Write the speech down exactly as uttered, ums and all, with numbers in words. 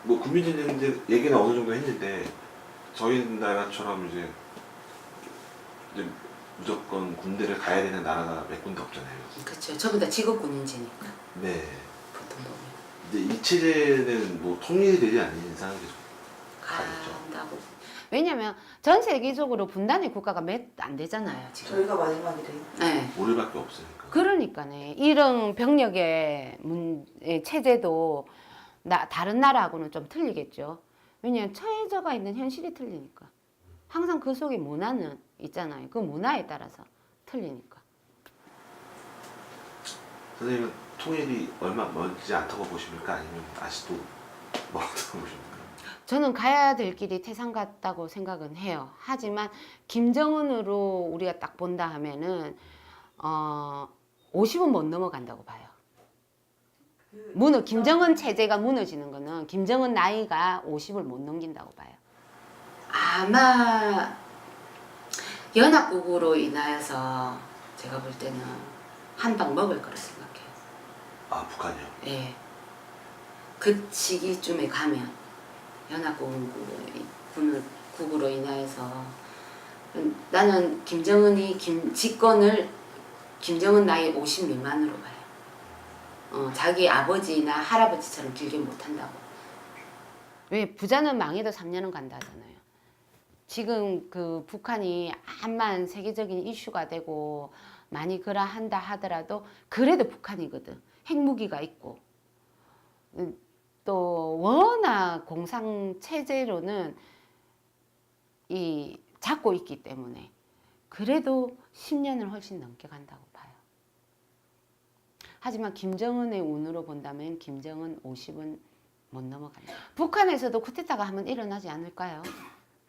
뭐 국민진인데 얘기는 어느 정도 했는데 저희 나라처럼 이제 이제 무조건 군대를 가야 되는 나라가 몇 군데 없잖아요. 그렇죠. 전부 다 직업군인제니까 네. 보통 보면 근데 이 체제는 뭐 통일이 되지 않는 이상 계속 가겠죠. 간다고. 왜냐면 전 세계적으로 분단의 국가가 몇 안 되잖아요 지금. 저희가 마지막이래요. 네. 오늘밖에 없으니까. 그러니까네 이런 병력의 문, 예, 체제도 나, 다른 나라하고는 좀 틀리겠죠. 왜냐하면 처해져가 있는 현실이 틀리니까. 항상 그 속에 문화는 있잖아요. 그 문화에 따라서 틀리니까. 선생님은 통일이 얼마 멀지 않다고 보십니까? 아니면 아직도 멀다고 보십니까? 저는 가야 될 길이 태산 같다고 생각은 해요. 하지만 김정은으로 우리가 딱 본다 하면은 어, 오십은 못 넘어간다고 봐요. 무너 김정은 체제가 무너지는 거는 김정은 나이가 오십을 못 넘긴다고 봐요. 아마 연합국으로 인하여서 제가 볼 때는 한 방 먹을 거라 생각해요. 아 북한이요? 예. 그 시기쯤에 가면 연합국으로 인하여서 나는 김정은이 김, 집권을 김정은 나이 오십 미만으로 봐요. 어, 자기 아버지나 할아버지처럼 길게 못한다고. 왜 부자는 망해도 삼 년은 간다 하잖아요. 지금 그 북한이 암만 세계적인 이슈가 되고 많이 그러한다 하더라도 그래도 북한이거든. 핵무기가 있고 또 워낙 공상 체제로는 이 잡고 있기 때문에 그래도 십 년을 훨씬 넘게 간다고 봐요. 하지만 김정은의 운으로 본다면 김정은 오십은 못 넘어간다. 북한에서도 쿠데타가 한번 일어나지 않을까요?